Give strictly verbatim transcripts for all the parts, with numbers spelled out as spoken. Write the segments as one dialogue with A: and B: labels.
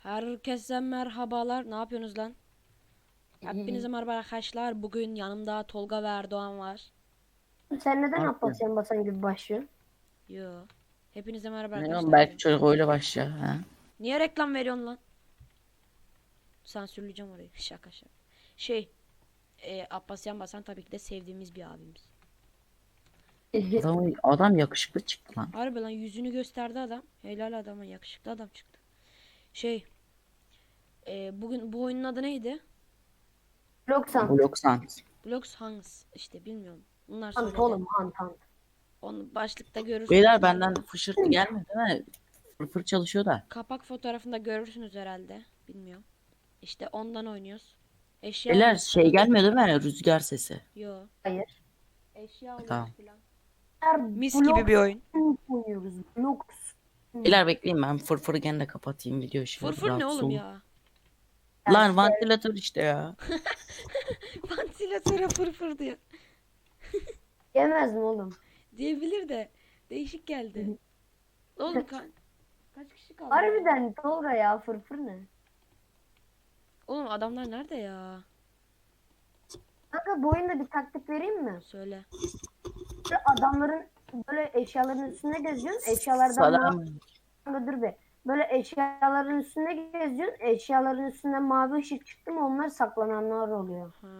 A: Herkese merhabalar. Ne yapıyorsunuz lan? Hepinize merhaba arkadaşlar. Bugün yanımda Tolga ve Erdoğan var.
B: Sen
C: Ne
B: neden
C: yapıyorsun?
B: Abbasyan Basan gibi başlıyorsun?
A: Yo. Hepinize merhaba
C: Ne oğlum,
A: arkadaşlar
C: belki
A: dedim.
C: çocuk öyle başlıyor ha.
A: Niye reklam veriyorsun lan? Sansürleyeceğim orayı. Şaka şaka. Şey. E, Abbasyan Basan tabii ki de sevdiğimiz bir abimiz.
C: Adam, adam yakışıklı çıktı lan.
A: Harbi lan yüzünü gösterdi adam. Helal adama yakışıklı adam çıktı. Şey. E, bugün bu oyunun adı neydi?
B: Loksan.
C: Bloksant.
A: Blocks Hangs. İşte bilmiyorum. Bunlar
B: Hant
A: söyledi.
B: oğlum hant hant.
A: Onu başlıkta görürsünüz.
C: Beyler benden fışırtı gelmedi değil mi? Fırfır çalışıyor da.
A: Kapak fotoğrafında görürsünüz herhalde. Bilmiyorum. İşte ondan oynuyoruz. Eşya
C: Beyler
A: alıyoruz
C: şey
A: falan.
C: gelmiyor değil mi? Rüzgar sesi.
A: Yo.
B: Hayır.
A: Eşya alıyoruz
C: Tamam.
A: falan.
B: Her
A: Mis
B: blok
A: gibi bir oyun.
B: oynuyoruz. Blok.
C: Beyler bekleyin, ben fırfırı gene de kapatayım, video şimdi
A: Fırfır ne
C: rahatsız
A: oğlum
C: olun.
A: ya?
C: Lan vantilatör işte ya.
A: Vantilatöre fırfır diyor.
B: Yemez mi oğlum?
A: Diyebilir de. Değişik geldi. Oğlum ka- kaç kişi kaldı?
B: Harbiden Tolga ya fırfır ne?
A: Oğlum adamlar nerede ya?
B: Kanka bu oyunda bir taktik vereyim mi?
A: Söyle.
B: Böyle adamların böyle eşyaların üstünde geziyorsun. Eşyalardan mavi.
C: Salam.
B: Kanka dur be. Böyle eşyaların üstünde geziyorsun. Eşyaların üstünden mavi ışık çıktı mı onlar saklananlar oluyor.
A: Ha.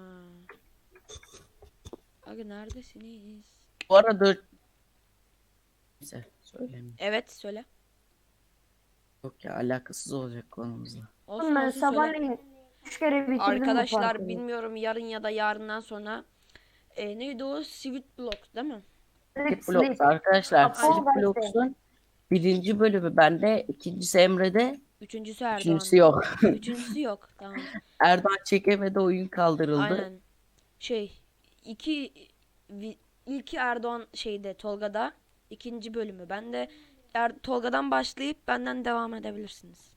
A: Aga neredesiniz?
C: Bu arada neyse söyleyeyim.
A: Evet söyle.
C: Yok ya, alakasız olacak konumuzla.
A: Olsun
B: Oğlum ben
A: olsun söyle.
B: sabahleyin üç kere bitirdim bu
A: Arkadaşlar
B: parkuru.
A: bilmiyorum yarın ya da yarından sonra e, neydi o? Sweet Block değil mi?
B: Direkt
C: Slip Blocks
B: sleep.
C: arkadaşlar.
B: Apol
C: Slip
B: gazete.
C: Blocks'un birinci bölümü bende, ikincisi Emre'de,
A: Üçüncüsü Erdoğan.
C: üçüncüsü yok.
A: Üçüncüsü yok. Tamam.
C: Erdoğan çekemedi, oyun kaldırıldı.
A: Aynen. Şey iki vi- ilki Erdoğan şeyde Tolga'da, ikinci bölümü. Ben de er, Tolga'dan başlayıp benden devam edebilirsiniz.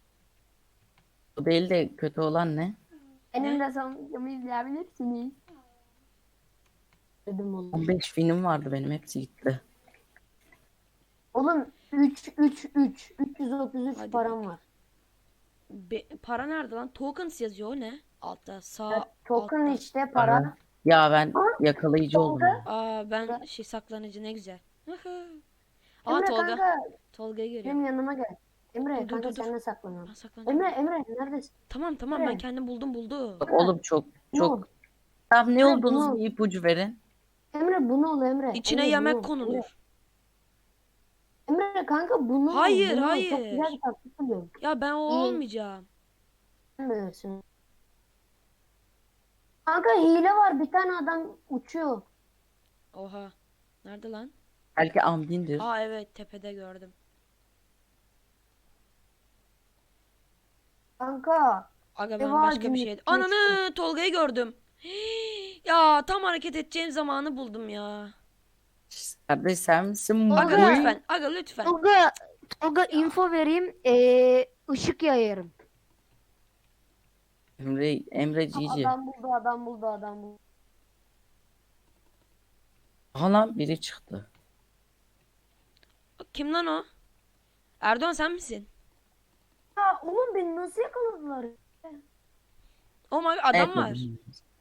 C: O değil de kötü olan ne?
B: Benim de sonucumu izleyebilirsiniz. Dedim oğlum.
C: on beş film vardı benim, hepsi gitti.
B: Oğlum üç üç üç üç yüz otuz üç
A: Hadi
B: param var.
A: Be- para nerede lan? Tokens yazıyor o ne? Altta sağ
B: Ya, token
A: altta.
B: işte para.
C: Ya ben
B: Aa,
C: yakalayıcı oldum
B: Tolga.
C: ya.
A: Aa ben şey saklanıcı ne güzel. Aa
B: Emre
A: Tolga.
B: kanka
A: Tolga'yı görüyorum.
B: benim yanıma gel. Emre
A: Dur, dur,
B: kanka
A: dur, dur.
B: seninle saklanalım.
A: Ben saklanacağım.
B: Emre Emre neredesin?
A: Tamam tamam ben
B: Emre.
A: kendim buldum buldum.
C: Bak oğlum, çok
B: Bunu ol.
C: çok. Tam ne
B: Emre,
C: olduğunuz
B: bunu-
C: bir ipucu verin.
B: Emre bunu ol Emre.
A: İçine
B: Emre,
A: yemek
B: bunu ol.
A: konulur.
B: Emre, Emre kanka bunu ol,
A: Hayır,
B: bunu ol.
A: hayır.
B: Çok güzel bir taktik buluyorum.
A: Ya ben o
B: İyi.
A: olmayacağım.
B: Sen bilirsin. Kanka hile var, bir tane adam uçuyor.
A: Oha. Nerede lan?
C: Belki Amdin'dir.
A: Aa evet tepede gördüm.
B: Kanka.
A: Aga ben
B: Eva
A: başka bir
B: günlük
A: şey.
B: meşgul.
A: Ananı Tolga'yı gördüm. Ya tam hareket edeceğim zamanı buldum ya.
C: Kardeş sen misin bu?
A: Aga
B: Tolga.
A: lütfen. Aga lütfen.
B: Tolga, Tolga info vereyim. Ee, ışık yayarım.
C: Emre, Emre Cici.
B: Adam buldu, adam buldu, adam buldu.
C: Aha lan, biri çıktı.
A: Kim lan o? Erdoğan sen misin?
B: Ya oğlum beni nasıl yakaladılar?
A: Oh my adam
C: Evet,
A: var.
C: dedim.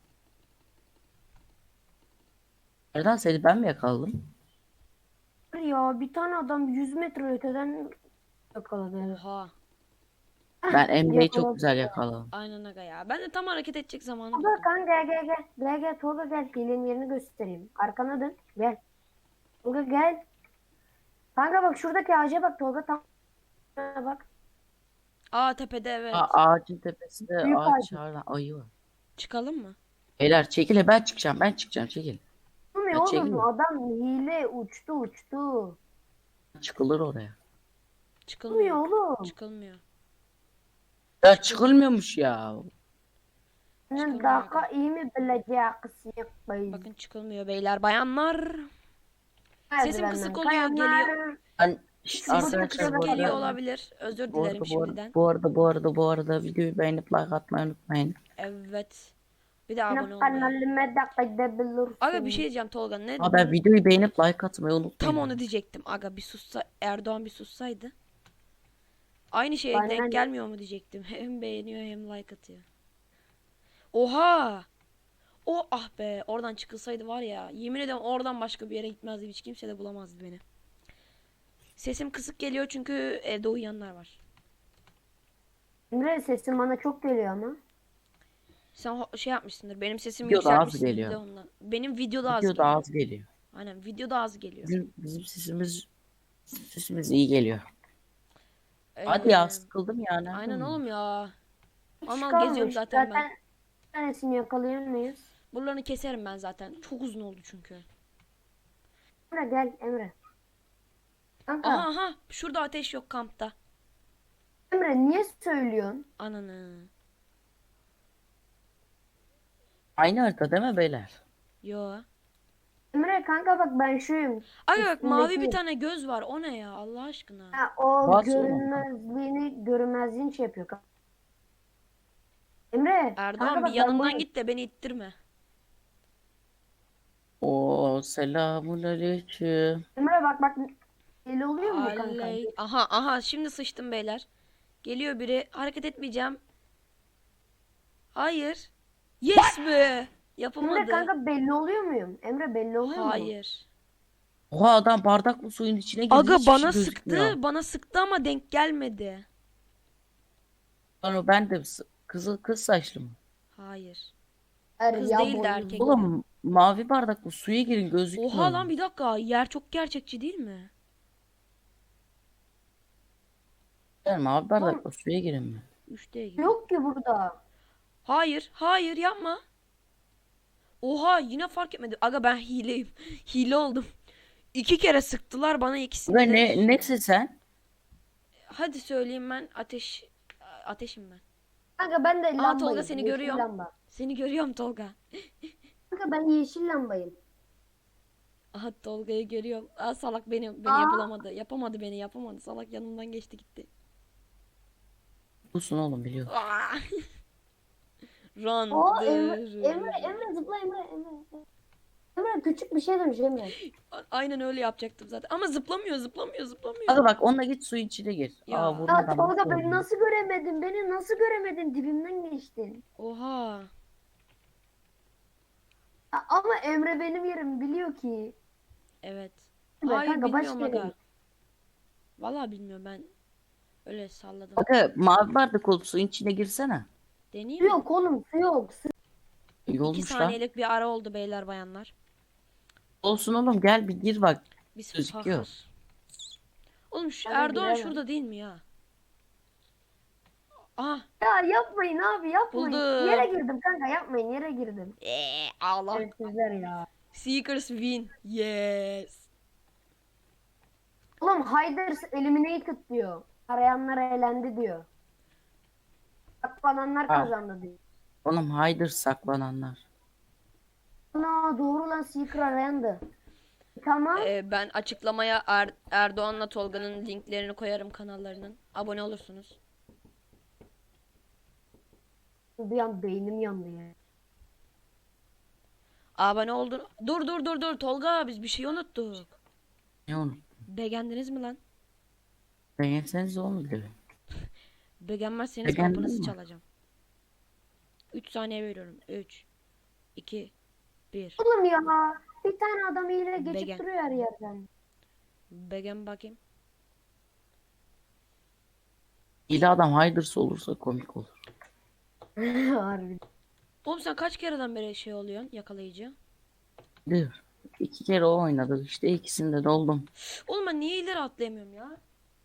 C: Nereden seni ben mi yakaladım?
B: Ya bir tane adam yüz metre öteden yakaladı.
A: Oha.
C: Ben Emre'yi
B: Yakaladı.
C: çok güzel yakaladım.
A: Aynen aga ya. Ben de tam hareket edecek zamanı
B: Tolga
A: buldum.
B: kanka gel gel gel. Gel gel Tolga gel. Hilenin yerini göstereyim. Arkana dön. Gel. Tolga gel. Kanka bak şuradaki ağaca bak Tolga, tam bak.
A: Aa tepede evet.
C: Aa, ağacın tepesinde
B: Büyük
C: ağaç
B: ağacı.
C: çağıran ayı var.
A: Çıkalım mı?
C: Beyler çekil, ben çıkacağım, ben çıkacağım, çekil.
B: Olmuyor
C: Ya çekil.
B: oğlum, adam hile uçtu uçtu.
C: Çıkılır oraya.
A: Çıkılmıyor.
B: Olmuyor oğlum.
A: Çıkılmıyor.
C: Ya çıkılmıyormuş ya.
B: Senin
A: Çıkamıyor
B: daha iyi mi bileceksin bey?
A: Bakın çıkılmıyor beyler bayanlar. Sesim
B: Merdivenden
A: kısık oluyor,
B: kayanlar.
A: geliyor.
C: Ben Şşt,
A: Sesim
C: arkadaşlar
A: kısık
C: bu
A: geliyor
C: arada,
A: olabilir. Özür
C: bu arada,
A: dilerim
C: bu arada,
A: şimdiden.
C: bu arada, bu arada, bu arada videoyu beğenip like atmayı unutmayın.
A: Evet. Bir de abone
B: Benim
A: olmayı.
B: kanalıma da gidebilirsin.
A: Aga bir şey diyeceğim Tolga. Ne?
C: Ama ben videoyu beğenip like atmayı unutmayın.
A: Tam onu diyecektim. Aga bir sussa Erdoğan bir sussaydı. Aynı şeye
B: Benden-
A: denk gelmiyor mu diyecektim. Hem beğeniyor hem like atıyor. Oha! O ah be, oradan çıkılsaydı var ya, yemin ederim oradan başka bir yere gitmezdim, hiç kimse de bulamazdı beni. Sesim kısık geliyor çünkü evde uyuyanlar var.
B: Emre sesin bana çok geliyor ama.
A: Sen ho- şey yapmışsındır, benim sesimi
C: Videoda az
A: yükseltmişsindir
C: geliyor.
A: de ondan. Benim videoda az
C: Video da
A: geliyor.
C: az geliyor.
A: Aynen, videoda az geliyor.
C: Bizim, bizim sesimiz sesimiz iyi geliyor. Hadi
A: Ee,
C: ya, sıkıldım ya. Nerede
A: Aynen
C: bu?
A: oğlum ya.
B: Hiç
A: Aman
B: kalmış.
A: geziyorum zaten ben.
B: bir tanesini yakalayır mıyız?
A: Buralarını keserim ben zaten. Çok uzun oldu çünkü.
B: Emre gel Emre. Kanka
A: Aha aha, şurada ateş yok kampta.
B: Emre niye söylüyorsun?
A: Ananı.
C: Aynı harita değil mi beyler?
A: Yo.
B: Emre kanka bak ben şuyum.
A: Ay bak, mavi bir
B: Üstündeki-
A: tane göz var. O ne ya Allah aşkına?
B: Ha, o
C: Bas oğlum.
B: görünmezliğini görünmezliğini şey yapıyor. kanka. Emre
A: Erdoğan
B: kanka
A: bir
B: bak ben
A: yanından
B: bunu-
A: git de beni ittirme.
C: O selamun aleyküm.
B: Emre bak bak belli oluyor mu kanka?
A: Aley. Aha aha, şimdi sıçtım beyler. Geliyor biri, hareket etmeyeceğim. Hayır. Yes be.
B: Emre
A: Yapamadı.
B: kanka belli oluyor muyum? Emre belli oluyor mu?
A: Hayır.
C: Oha, adam bardakla suyun içine girdi.
A: Aga
C: hiçbir
A: bana
C: şey
A: sıktı.
C: gözükmüyor.
A: Bana sıktı ama denk gelmedi.
C: Lan ben de s- kızıl kız saçlı mı?
A: Hayır.
B: Hayır,
A: Kız
B: ya
A: değil de
B: boynuz-
A: erkek.
C: Oğlum mavi bardakla suya girin, gözükmüyor.
A: Oha lan, bir dakika. Yer çok gerçekçi değil mi?
C: Yani mavi bardakla suya girin mi?
A: üç D gibi.
B: Yok ki burada.
A: Hayır. Hayır yapma. Oha, yine fark etmedi. Aga ben hileyim. Hile oldum. İki kere sıktılar bana, ikisini
C: Ve
A: de.
C: ne nesin sen?
A: Hadi söyleyeyim, ben ateş ateşim ben.
B: Kanka ben de lambayım.
A: Tolga seni
B: yeşil
A: görüyorum.
B: Lamba.
A: Seni görüyorum Tolga.
B: Kanka ben yeşil lambayım.
A: Aha, Tolga'yı görüyorum. Aa, salak beni beni
B: Aa.
A: yapılamadı. Yapamadı beni, yapamadı. Salak yanımdan geçti gitti.
C: Busun oğlum, biliyorum.
A: Aa! Run.
B: O
A: dır,
B: Emre, Emre, Emre zıpla Emre, Emre. Emre küçük bir şey demiş Emre.
A: A- Aynen öyle yapacaktım zaten. Ama zıplamıyor, zıplamıyor, zıplamıyor.
C: Hadi bak, onunla git suyun içine gir.
A: Ya.
C: Aa,
B: Ya
C: vurmadan
B: Tolga
C: nasıl
B: beni
C: oldu?
B: nasıl göremedin? Beni nasıl göremedin? Dibimden geçtin.
A: Oha.
B: A- Ama Emre benim yerimi biliyor ki.
A: Evet.
B: Be
A: Hayır,
B: kanka, başka
A: bilmiyorum
B: yere
A: aga.
B: git.
A: Vallahi bilmiyorum, ben öyle salladım.
C: Bakın, mavi bardak olup suyun içine girsene.
A: Deneyeyim
B: Su
A: mi?
B: yok oğlum su yok. Su.
C: İyi
A: İki
C: olmuş lan.
A: saniyelik bir ara oldu beyler bayanlar.
C: Olsun oğlum, gel bir gir bak.
A: Biz
C: Gözüküyor.
A: fakir. Oğlum şu
B: Ben
A: Erdoğan
B: giremem.
A: şurada değil mi ya? Ah.
B: Ya yapmayın abi yapmayın.
A: Buldum.
B: Yere girdim kanka yapmayın yere girdim.
A: Eee Allah.
B: Evet sizler ya.
A: Seekers win. Yes.
B: Oğlum Hayders eliminated diyor. Arayanlar eğlendi diyor. Saklananlar
C: Ha.
B: kazandı diyor.
C: Oğlum haydır, saklananlar.
B: Ana doğru lan Seeker arayandı. Tamam.
A: Ee, ben açıklamaya Er- Erdoğan'la Tolga'nın linklerini koyarım, kanallarının. Abone olursunuz.
B: Bir an beynim yandı ya.
A: Abone oldun. Dur dur dur dur Tolga, biz bir şey unuttuk.
C: Ne onu?
A: Beğendiniz mi lan?
C: Beğenseniz oğlum bile.
A: Beğenmezseniz
C: Beğendin
A: kapınızı
C: mi?
A: çalacağım. üç saniye veriyorum. üç iki bir.
B: Oğlum ya bir tane adam hile geçip
A: Begen.
B: duruyor her yerden.
A: Beğen bakayım.
C: İli adam haydırsa olursa komik olur.
B: Harbi.
A: Oğlum sen kaç kereden beri şey oluyorsun, yakalayıcı?
C: Dur. İki kere o oynadık işte, ikisinde de oldum.
A: Oğlum ben niye ileri atlayamıyorum ya?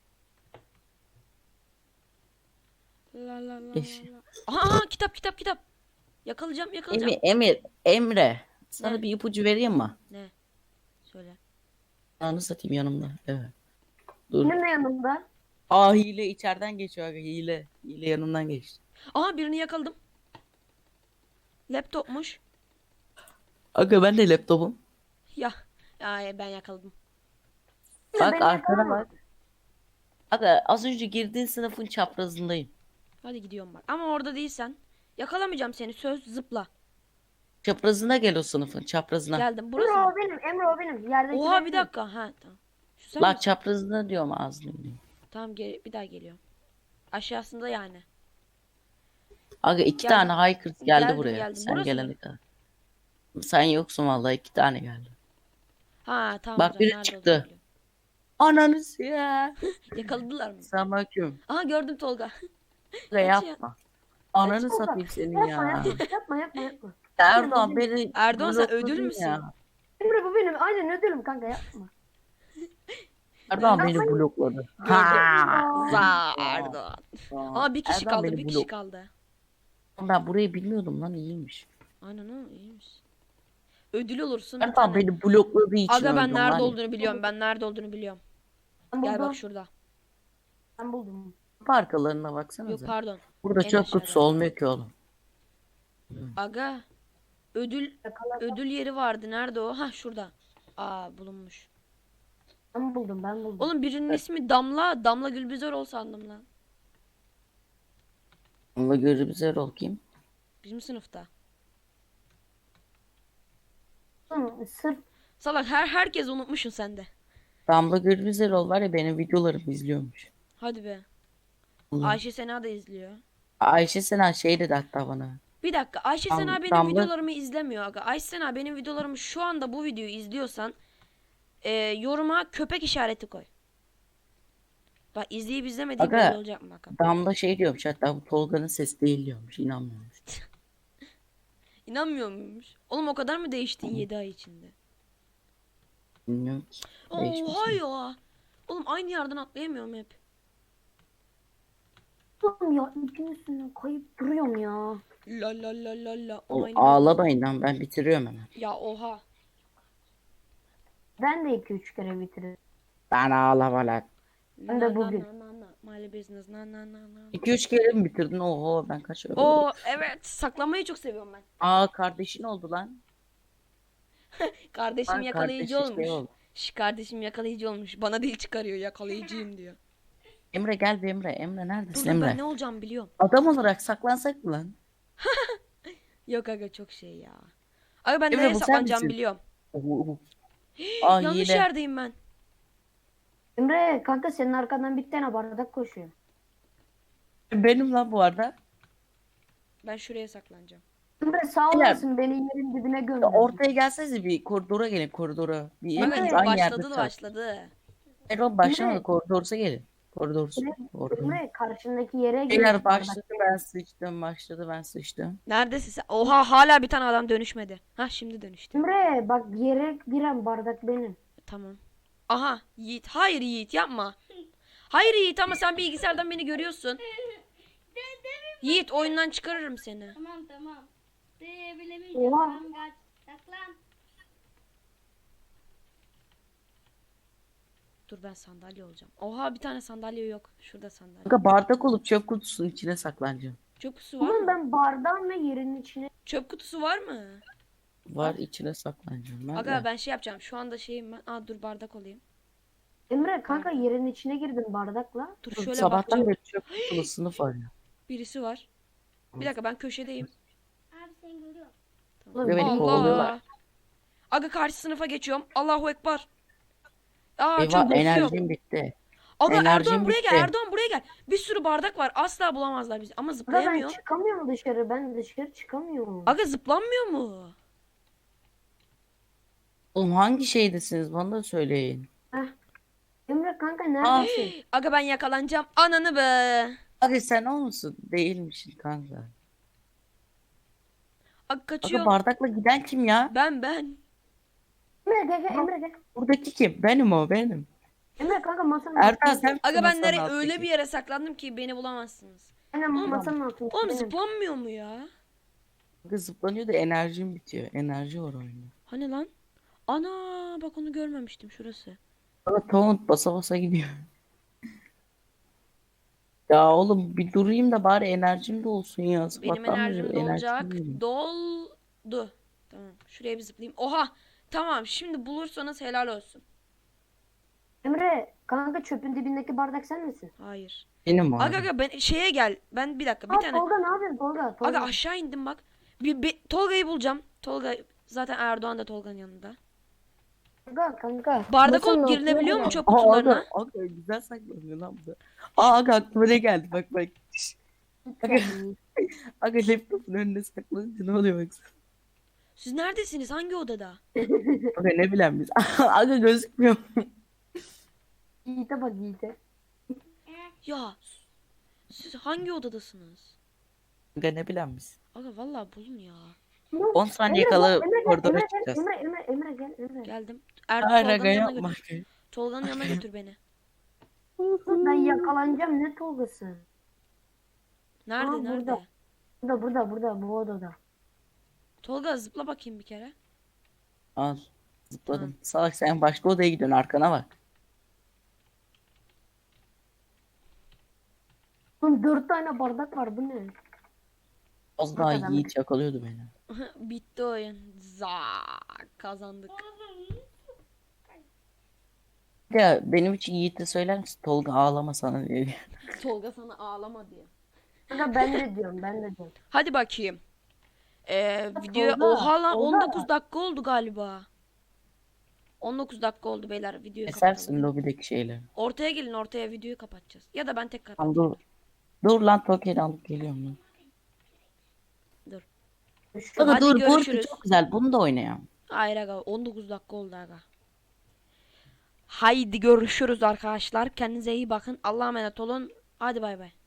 A: La la la
C: Geç.
A: la la. Aha, aha, kitap kitap kitap. Yakalayacağım yakalayacağım.
C: Emir, Emir, Emre. Sana
A: Ne?
C: bir ipucu vereyim mi?
A: Ne? Söyle.
C: Anı satayım yanımda. Evet. Dur.
B: Benim de yanımda.
C: Aa, hile içeriden geçiyor abi, hile. Hile yanından geçti.
A: Aha, birini yakaladım. Laptopmuş.
C: Aga ben de laptopum.
A: Ya. Ya ben yakaladım.
C: Bak
B: beni
C: arkana
B: yakalama.
C: bak. Aga az önce girdiğin sınıfın çaprazındayım.
A: Hadi gidiyorum bak. Ama orada değilsen yakalamayacağım seni. Söz, zıpla.
C: Çaprazına gel, o sınıfın çaprazına.
A: Geldim. Burası
B: Emre
A: mı?
B: o benim. Emre o benim. Yerdeki
A: Oha
B: benim.
A: bir dakika. Ha tamam. Şu sen
C: Bak
A: misin?
C: çaprazına diyorum, ağzını diyeyim.
A: Tamam, geri, bir daha geliyorum. Aşağısında yani.
C: Aga iki
A: Geldim.
C: tane haykırt geldi
A: Geldim,
C: buraya.
A: geldim.
C: Sen
A: Burası
C: gelene
A: mı?
C: kadar. Sen yoksun vallahi iki tane geldi.
A: Ha tamam, o
C: Bak
A: zaman
C: biri
A: nerede
C: çıktı.
A: olduğunu biliyorum.
C: Ananı ya.
A: Yakaladılar mı?
C: Selamünaleyküm.
A: Aha, gördüm Tolga.
C: Aga
A: Kaçıyor.
C: yapma. Ananı
B: Tolga,
C: satayım senin
B: yapma,
C: ya.
B: yapma, yapma, yapma, yapma.
C: Erdoğan beni
A: Erdoğan, sen
C: blokladın
A: ödül müsün?
C: ya.
B: Emre bu benim. Aynen ödülüm kanka, yapma.
C: Erdoğan
A: Neredesin?
C: beni blokladı.
A: Gördüm.
B: Aa.
A: Za Erdoğan. Ama bir kişi
C: Erdoğan
A: kaldı,
C: beni
A: bir kişi
C: blok-
A: kaldı.
C: Ben burayı bilmiyordum lan, iyiymiş.
A: Aynen, o iyiymiş. Ödül olursun bir
C: Erdoğan
A: tane.
C: beni blokladığı için
A: Aga, ben
C: öldüm
A: nerede
C: lan.
A: olduğunu biliyorum. Ben nerede olduğunu biliyorum.
B: Ben
A: Gel
B: buldum.
A: bak şurada.
B: Ben buldum.
C: Arkalarına
A: Yok,
C: baksanıza.
A: pardon.
C: Burada
A: en
C: çöp
A: aşağıda.
C: kutusu olmuyor ki oğlum.
A: Aga, ödül
B: Yakala.
A: ödül yeri vardı. Nerede o? Ha, şurada. Aa, bulunmuş.
B: Ben buldum, ben buldum.
A: Oğlum, birinin ismi Damla. Damla Gülbizarol sandım lan.
C: Onunla görü bize rol kim?
A: Bizim sınıfta.
B: Hı, Sırf
A: Salak, her herkes unutmuşsun sen de.
C: Damla görü bize rol var ya, benim videolarımı izliyormuş.
A: Hadi be.
C: Ulan.
A: Ayşe Sena da izliyor.
C: Ayşe Sena şey dedi hatta bana.
A: Bir dakika, Ayşe
C: Dam-
A: Sena benim
C: Damla-
A: videolarımı izlemiyor aga. Ayşe Sena benim videolarımı şu anda bu videoyu izliyorsan e, yoruma köpek işareti koy. Bak, izleyip izlemediğim
C: Aga.
A: belli olacak mı bakalım.
C: Damla şey diyormuş hatta, bu Tolga'nın sesi değil diyormuş, inanmıyormuş.
A: İnanmıyor muymuş? Oğlum, o kadar mı değiştin yedi ay içinde?
C: Bilmiyorum ki. Değişmiş
A: Oha
C: mi?
A: ya. Oğlum, aynı yerden atlayamıyorum hep.
B: Oğlum ya, ipin üstünden kayıp duruyorum ya.
A: La la la la la.
C: O,
A: Aynı
C: ağlamayın lan, ben bitiriyorum hemen.
A: ben- Ya oha.
B: Ben de iki üç kere bitiririm.
C: Ben ağlama lan.
B: Ben de bugün.
A: Na, na, na, na. My business. Na na na na.
C: iki üç kere mi bitirdin? Oho, ben kaç öyle.
A: Oo evet, saklamayı çok seviyorum ben.
C: Aa, kardeşin oldu lan.
A: Kardeşim
C: Lan
A: yakalayıcı
C: kardeşi
A: olmuş.
C: şey oldu.
A: Şş, kardeşim yakalayıcı olmuş. Bana dil çıkarıyor, yakalayıcıyım diyor.
C: Emre gel bir Emre. Emre neredesin
A: Dur, dur,
C: Emre?
A: ben ne olacağım biliyorum.
C: Adam olarak saklansak mı lan?
A: Yok aga, çok şey ya. Aga, ben
C: Emre,
A: nereye
C: bu sen
A: saklanacağım
C: misin?
A: biliyorum.
C: Oho. Aa,
A: Yanlış
C: hile.
A: yerdeyim ben.
B: Emre kanka, senin arkandan bir tane bardak koşuyor.
C: Benim lan bu arada.
A: Ben şuraya saklanacağım.
B: Emre sağ
C: Beyler.
B: olasın, beni yerin dibine gömdün.
C: Ortaya gelsenize, bir koridora gelin, koridora. Bir
A: Aga,
C: hepiniz
A: dur,
C: aynı yerde
A: başladı da
C: kal.
A: başladı.
C: Erol başlamadı,
B: Emre.
C: koridorsa gelin. Koridorsa. Koridor.
B: Emre karşındaki yere gel.
C: Beyler başladı, ben sıçtım, başladı, ben sıçtım.
A: Neredesin sen? Oha, hala bir tane adam dönüşmedi. Ha, şimdi dönüştü.
B: Emre bak, yere giren bardak benim.
A: Tamam. Aha, Yiğit. Hayır Yiğit, yapma. Hayır Yiğit, ama sen bilgisayardan beni görüyorsun. Yiğit, oyundan çıkarırım seni.
D: Tamam tamam. Ee, bilemeyeceğim.
B: Oha.
D: Tamam, kaç. Saklan.
A: Dur, ben sandalye olacağım. Oha, bir tane sandalye yok. Şurada sandalye.
C: Kanka bardak olup çöp kutusunun içine saklanacağım.
A: Çöp kutusu var
B: Oğlum
A: mı?
B: ben bardağın ve yerin içine.
A: Çöp kutusu var mı?
C: Var, içine saklanacağım ben
A: Aga,
C: de.
A: ben şey yapacağım. Şu anda şeyim ben. Aa, dur, bardak olayım.
B: Emre kanka, yerin içine girdim bardakla.
A: Dur, şöyle
C: Sabahtan
A: bakacağım.
C: beri çöp kutulu sınıf var ya.
A: Birisi var. Bir dakika, ben köşedeyim.
D: Abi seni görüyorum.
B: Oğlum,
C: Ve beni
B: Allah.
C: kovalıyorlar.
A: Aga, karşı sınıfa geçiyorum. Allahu Ekber. Aa, çok
C: Eyvah,
A: basıyor.
C: enerjim bitti.
A: Aga,
C: enerjim
A: Erdoğan buraya gel.
C: bitti.
A: Erdoğan buraya gel. Bir sürü bardak var. Asla bulamazlar bizi. Ama
B: Aga ben
A: zıplayamıyor.
B: çıkamıyorum dışarı. Ben dışarı çıkamıyorum.
A: Aga, zıplanmıyor mu?
C: Oğlum hangi şeydesiniz, bana da söyleyin.
B: Heh. Emre kanka
C: Aa,
B: neredesin?
A: Aga, ben yakalanacağım. Ananı be.
C: hadi sen o musun? Değilmişsin kanka.
A: Aga,
C: Aga
A: kaçıyor.
C: bardakla giden kim ya?
A: Ben ben.
B: Emre gel gel, Emre gel.
C: Buradaki kim? Benim o, benim.
B: Emre kanka masanın
C: Ertan
B: altında.
C: sen
A: Aga, ben
C: masanın
A: nereye
C: alttaki.
A: öyle bir yere saklandım ki beni bulamazsınız.
B: Aynen
A: Oğlum,
B: masanın altında.
A: Oğlum,
B: benim.
A: zıplanmıyor mu ya?
C: Aga zıplanıyor da enerjim bitiyor. Enerji var oyunda.
A: Hani lan? Ana, bak, onu görmemiştim, şurası.
C: Aga taunt basa basa gidiyor. Ya oğlum bir durayım da bari enerjim de olsun ya.
A: Benim
C: Sabahtan beri
A: enerjim
C: enerjim
A: dolacak.
C: değil.
A: Doldu. Tamam. Şuraya bir zıplayayım. Oha. Tamam. Şimdi bulursanız helal olsun.
B: Emre kanka, çöpün dibindeki bardak sen misin?
A: Hayır.
C: Benim o.
A: Aga aga, ben şeye gel. Ben bir dakika, bir
B: Aa,
A: tane.
B: Tolga ne yapıyorsun Tolga? Tolga.
A: Aga, aşağı indim bak. Bir, bir Tolga'yı bulacağım. Tolga zaten, Erdoğan da Tolga'nın yanında.
B: Kanka kanka.
A: Bardak
B: Masanın
A: olup girilebiliyor mu
B: altına
A: çöp
C: Aa,
A: kutularına?
C: aga, aga güzel saklanıyor lan bu da. Aa aga aklıma ne geldi bak bak. Aga,
B: gel.
C: aga laptopun önüne saklanınca ne oluyor baksana.
A: Siz neredesiniz? Hangi odada?
C: Aga ne bilen biz. Aga gözükmüyor.
B: Yiğit'e bak Yiğit'e.
A: Ya siz hangi odadasınız?
C: Aga ne bilen biz.
A: Aga vallahi bulun ya.
C: on saniye
B: Emre,
C: kala
B: Emre, gel,
C: koridora
B: Emre, gel,
C: çıkacağız.
B: Emre, Emre, Emre gel, Emre.
A: Geldim. Er
C: Hayır
A: Tolga'nın
C: aga
A: yanına
C: yapma.
A: götür. Tolga'nın yanına götür beni.
B: Ben yakalanacağım ne Tolga'sı?
A: Nerede
B: Aa,
A: nerede?
B: burada. Burada, burada, burada, bu odada.
A: Tolga zıpla bakayım bir kere.
C: Al. Zıpladım. Salak sen başka odaya gidiyorsun arkana bak.
B: Oğlum dört tane bardak var, bu ne?
C: Az daha
B: Adam-
C: Yiğit yakalıyordu beni.
A: Bitti oyun. Zak kazandık.
C: Ya benim için Yiğit'e söyler misin? Tolga ağlama sana diye.
A: Tolga sana ağlama diye.
B: Kanka ben de diyorum, ben de diyorum.
A: Hadi bakayım. Ee, video
B: Tolga,
A: oha lan
B: Tolga.
A: on dokuz dakika oldu galiba. on dokuz dakika oldu beyler videoyu
C: Kesersin
A: kapatalım.
C: lobideki şeyleri.
A: Ortaya gelin ortaya videoyu kapatacağız. Ya da ben tekrar
C: Tamam dur. Dur lan Tokyo'yu alıp geliyorum lan.
A: Dur.
B: Şu-
C: Aga
A: Hadi
C: dur bu arada
A: görüşürüz.
C: çok güzel bunu da oynayalım.
A: Hayır aga on dokuz dakika oldu aga. Haydi görüşürüz arkadaşlar. Kendinize iyi bakın. Allah'a emanet olun. Hadi bay bay.